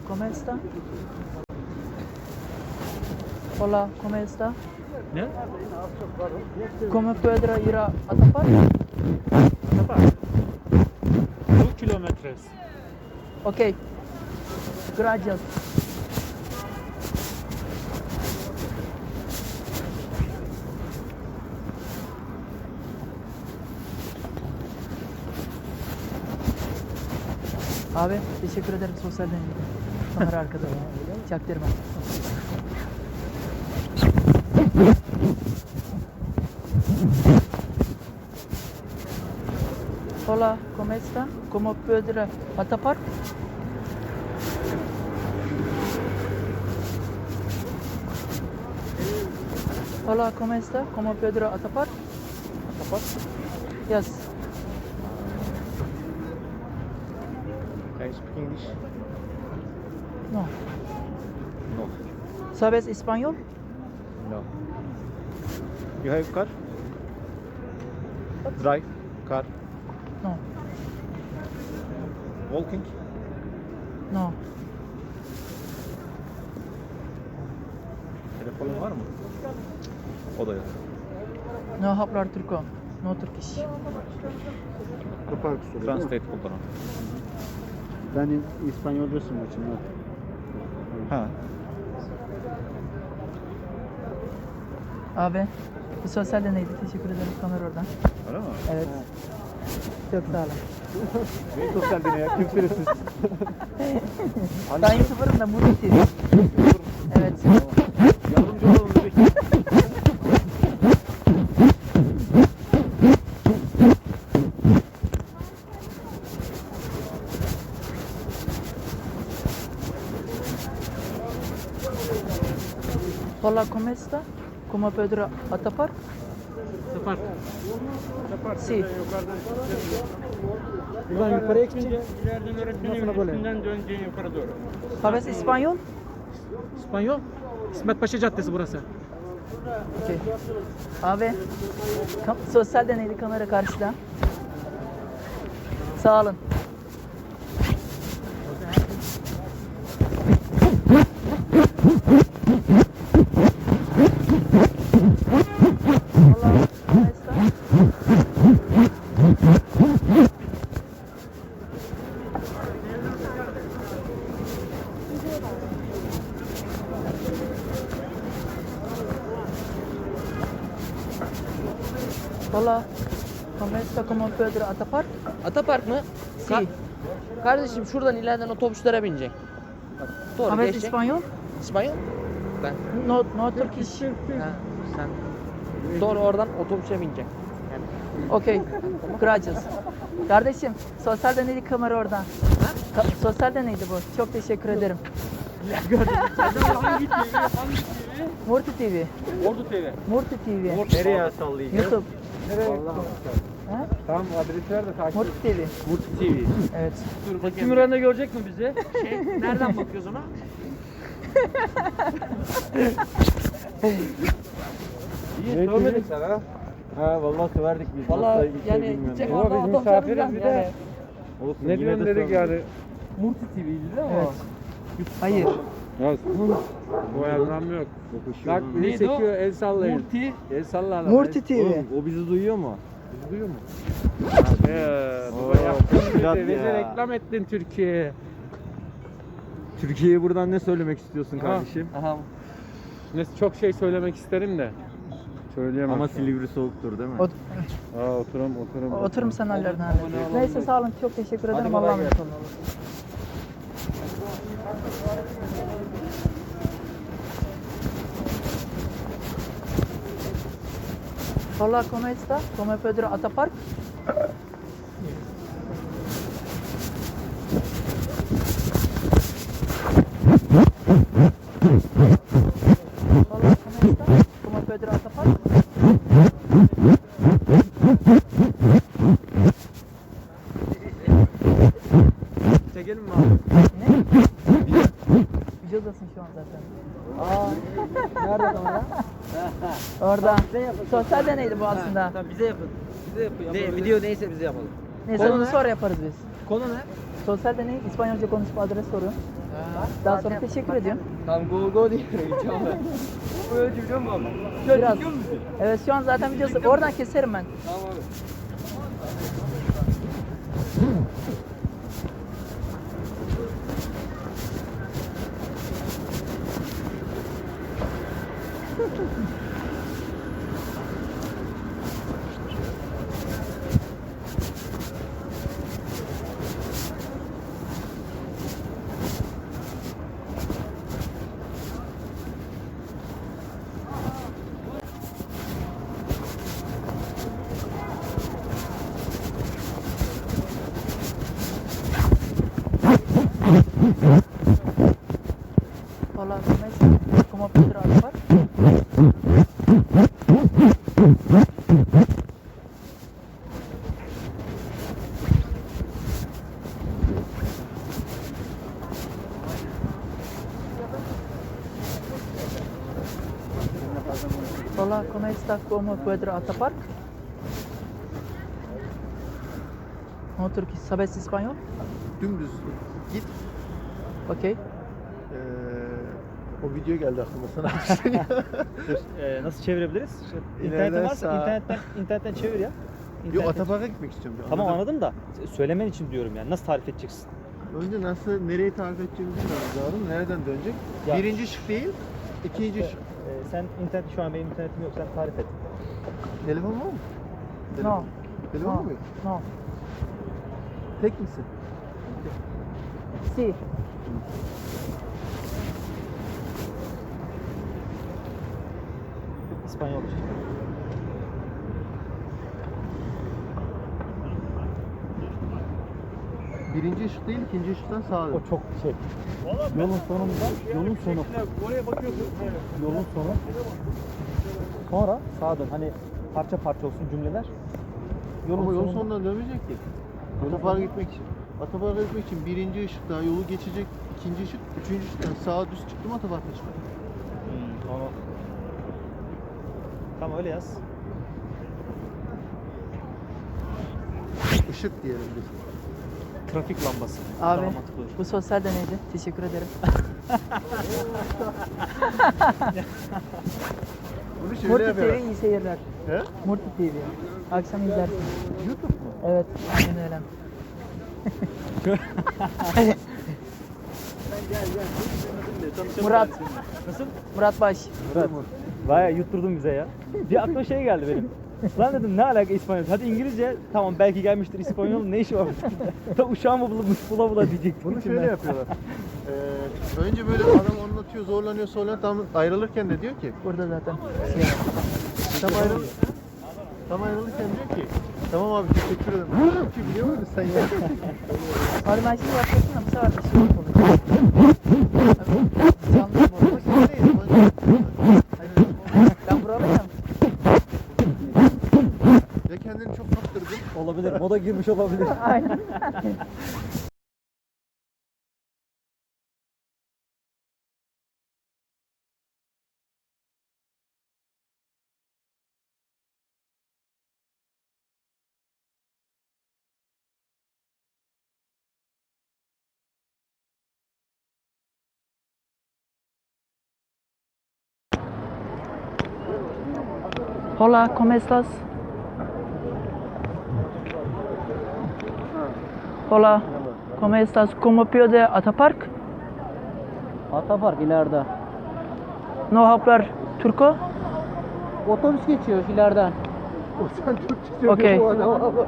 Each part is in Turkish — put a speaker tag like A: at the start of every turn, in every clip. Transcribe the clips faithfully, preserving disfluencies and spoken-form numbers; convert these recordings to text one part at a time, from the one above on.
A: ¿cómo está? Hola, ¿cómo está?
B: Ne?
A: ¿Cómo puedo ir a Atapar?
B: Atapar. two kilometers.
A: Ok. Gracias. Abi teşekkür ederim sosyal deneyim. Kamera arkada. Çaktırma. Hola, ¿cómo está? ¿Cómo puedo ir a Atapar? Hola, ¿cómo está? ¿Cómo puedo ir a Atapar?
B: Atapar.
A: Yes.
B: Can you speak English?
A: No.
B: No.
A: ¿Sabes español?
B: No. You have car? Drive car.
A: No.
B: Walking?
A: No.
B: Telefonun var mı? O da yok.
A: No hablar turco. No Turkish.
C: Kapak soruyor.
B: Translate kullanalım.
C: Ben İspanyolcasın maçın.
B: Ha.
A: Abi bu sosyal deneydi. Teşekkür ederim kamera oradan.
B: Öyle mi?
A: Evet. Çok sağ olun.
C: Ne sosyal deney ya? Kimsiniz?
A: Ben YouTuber'ım da Murat T V. Evet.
C: Yardımcı olalım dedik.
A: Hola, ¿cómo está? ¿Cómo puedo ir a Atapar?
B: Atapar.
D: Yapar.
A: Si.
D: Yukarıdan
C: Buradan yukarıya gidince
D: ileriden öğretmenin
C: Nasıl böyle?
D: üstünden döneceğin yukarı doğru.
A: ¿Sabes español?
E: İspanyol. İsmet Paşa Caddesi burası.
A: Okay. Abi kam- sosyal deneydi kamera karşıda. Sağ olun. Hola, ¿cómo está? Hola, ¿cómo está? ¿Cómo puedo ir a Atapar?
F: Atapark mı?
A: Si.
F: Ka- Kardeşim şuradan ileriden otobüslere binecek. Bak, doğru
A: ¿Sabes
F: geçecek.
A: español?
F: İspanyol? Ben.
A: No, no Turkish.
F: Ha, sen. Doğru oradan otobüse binecek. Yani.
A: Okey. Gracias. Kardeşim, sosyal deneydi kamera oradan. Ka- sosyal deneydi bu. Çok teşekkür ederim.
D: Hangi T V? Hangi T V?
A: Murti T V.
D: Ordu T V.
A: Murti T V.
C: nereye sallayacağız?
A: YouTube. Ha?
C: Tamam adresi ver de takip
A: Murti T V.
C: Murti T V.
A: Evet.
E: Kim Müren'de görecek mi bizi?
F: Şey, nereden bakıyoruz ona?
C: İyi sormadık sana. Ha vallahi severdik biz.
F: Valla
C: Nasıl ilk
F: yani
C: bilmiyorum
F: gidecek
C: ya.
F: orada
C: Ama biz
F: otobüse
C: misafiriz
F: bineceğiz
C: bir de.
F: yani.
C: Olsun,
D: Ne
C: yine
D: diyorsun
C: de
D: dedik
C: sormadık.
D: yani. Murti T V'ydi değil mi
A: Evet. Hayır.
D: o? Ya bu anlam yok. Bak bizi
E: Neydi o?
D: çekiyor el sallayın.
E: Murti.
D: El salla lan.
A: Murti T V.
C: Oğlum, o bizi duyuyor mu?
D: Bizi duyuyor mu?
C: Oo,
D: Baba yaptın
C: Fırat
D: bizi. Bize
C: ya.
D: reklam ettin Türkiye'ye.
C: Türkiye'ye buradan ne söylemek istiyorsun kardeşim?
F: Aha.
D: Ne çok şey söylemek isterim de. Söyleyemem.
C: Ama Silivri soğuktur değil mi?
A: Ot
D: Aa oturum oturum.
A: oturum sen hallerini hallet. Neyse sağ olun. Çok teşekkür ederim. Allah'a emanet olun. Hola, ¿cómo está? ¿Cómo puedo ir a Atapark? Hola, ¿cómo está? ¿Cómo puedo ir a Atapark?
C: Çekelim mi abi?
A: Ne? Videodasın şu an zaten.
F: Aa, nerede kamera?
A: Orada. Sosyal deneydi bu aslında.
F: Tamam bize yapın. Bize yapın. Ne, video neyse bize yapalım.
A: Neyse
F: Konu
A: onu
F: ne?
A: sonra yaparız biz.
F: Konu ne?
A: Sosyal deney İspanyolca konuşma adres soru. Daha sonra teşekkür ediyorum.
C: Tam go go diye heyecan var. Böyle biliyor musun abi?
A: Biraz. Evet şu an zaten videosu. Oradan keserim ben.
C: Tamam abi.
A: Hola, ¿cómo es? ¿Cómo Pedro Alvar? Hola, ¿cómo está? ¿Cómo Pedro Atapark? No Turkish, ¿sabes español?
G: Dümdüz git.
A: Okay.
G: Ee, o video geldi aklıma sana.
E: Dur, e, nasıl çevirebiliriz? İşte
G: İleriden
E: İnternetin varsa
G: sağ.
E: internetten, internetten çevir ya.
G: Yo,
E: İnternetten-
G: Atapark'a gitmek istiyorum.
E: Tamam
G: Anladım.
E: anladım da söylemen için diyorum yani nasıl tarif edeceksin?
G: Önce nasıl, nereyi tarif edeceğimi bilmiyorum lazım. Nereden dönecek?
E: Ya-
G: Birinci şık değil, ikinci
E: İşte,
G: şık.
E: e, sen internet şu an benim internetim yok sen tarif et.
G: Telefon var mı?
A: No.
G: Telefon. Telefon
A: No.
G: mu?
A: No.
G: Tek misin?
A: Sí.
E: İspanyol işte.
G: Birinci ışık değil, ikinci ışıktan sağa dön.
E: O çok şey. Yolun sonunda, yolun sonu. Yolun sonu. Sonra sağa dön. Hani parça parça olsun cümleler. Yolun
G: Ama yol
E: sonunda-
G: sonundan dönmeyecek ki. Atapark'a gitmek için. Atapark'a gitmek için birinci ışıkta yolu geçecek, ikinci ışık, üçüncü ışıktan sağa düz çıktım Atapark'a çıkar.
E: Hmm, onu... Tamam öyle yaz.
G: Işık diyelim biz.
E: Trafik lambası.
A: Abi
E: Daha mantıklı olur.
A: bu sosyal deneydi. Teşekkür ederim.
G: Bunu şöyle
A: Murti T
G: yapıyorlar.
A: V iyi seyirler.
G: He?
A: Murti T V. Akşam izlersin.
G: YouTube mu?
A: Evet, aynen öyle. Murat.
E: Nasıl?
A: Murat Baş.
E: Murat. Bayağı yutturdun bize ya. Bir aklıma şey geldi benim. Lan dedim ne alaka İspanyol? Hadi İngilizce tamam belki gelmiştir İspanyol ne işi var? Ta uşağımı bula bula, bula diyecektim.
G: Bunu
E: içimden.
G: şöyle yapıyorlar. Ee, önce böyle adam anlatıyor, zorlanıyor, zorlanıyor. Tam ayrılırken de diyor ki,
A: Burada zaten şey var.
G: tam ayrıl tam ayrılırken diyor ki, tamam abi teşekkür ederim. Oğlum ki biliyor muydun sen ya?
A: Abi ben şimdi yapıyorsun da bu sefer bir şey olacak. Abi, canlı bu arada.
G: Ama sen değil,
A: Ben buralıyım.
G: ya kendini çok kaptırdın.
E: Olabilir. Moda girmiş olabilir.
A: Aynen. Hola, ¿cómo estás? Hola, ¿cómo estás? ¿Cómo puede Atapark?
F: Atapark ileride.
A: No hablar turco?
F: Otobüs geçiyor ileriden.
G: O sen Türkçe söylüyorsun
A: Okey.
G: bu adama bak.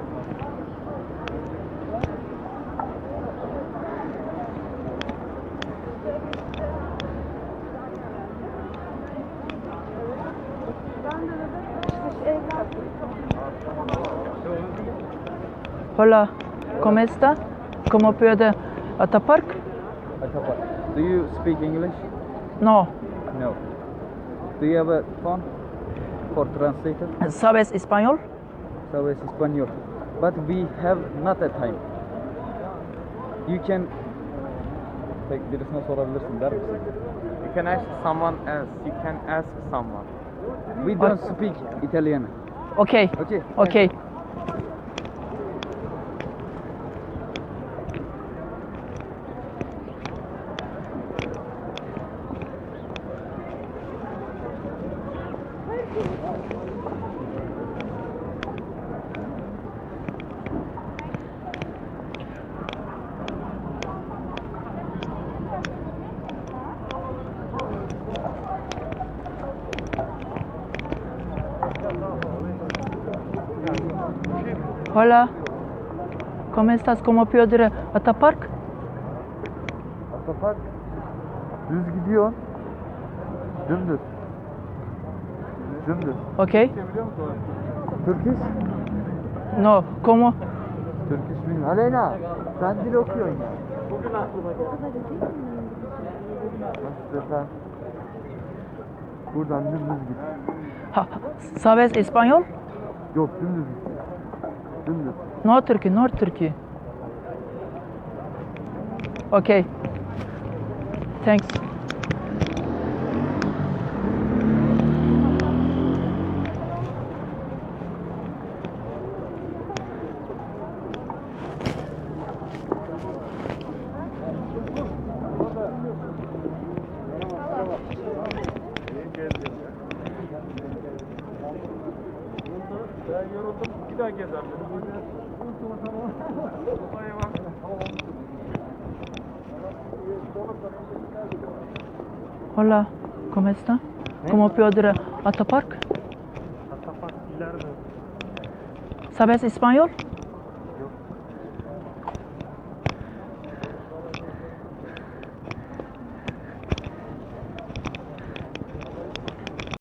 A: Hola, ¿cómo está? ¿Cómo puede Atapark?
C: Do you speak English?
A: No.
C: No. Do you have a phone for translator?
A: ¿Sabes español?
C: Sabes Español. But we have not a time. You can tek birisine sorabilirsin der misin?
H: You can ask someone else. You can ask someone.
C: We don't speak Italian.
A: Okay.
C: Okay.
A: Okay. Hola. ¿Cómo estás? ¿Cómo puedo ir a Atapark?
G: Atapark düz gidiyor. Dümdüz. Dümdüz.
A: Okay.
G: Turkish?
A: No. ¿Cómo?
G: Turkish bilmiyorum. Aleyna sen dil okuyorsun ya. Nasıl desem? Buradan dümdüz git.
A: Ha, ¿Sabes español?
G: Yok dümdüz git. Dümdüz.
A: No Turkey, no Turkey. Okay. Thanks. Hola. ¿Cómo está? ¿Cómo puedo ir a Atapark?
E: Atapark ileride.
A: ¿Sabes español?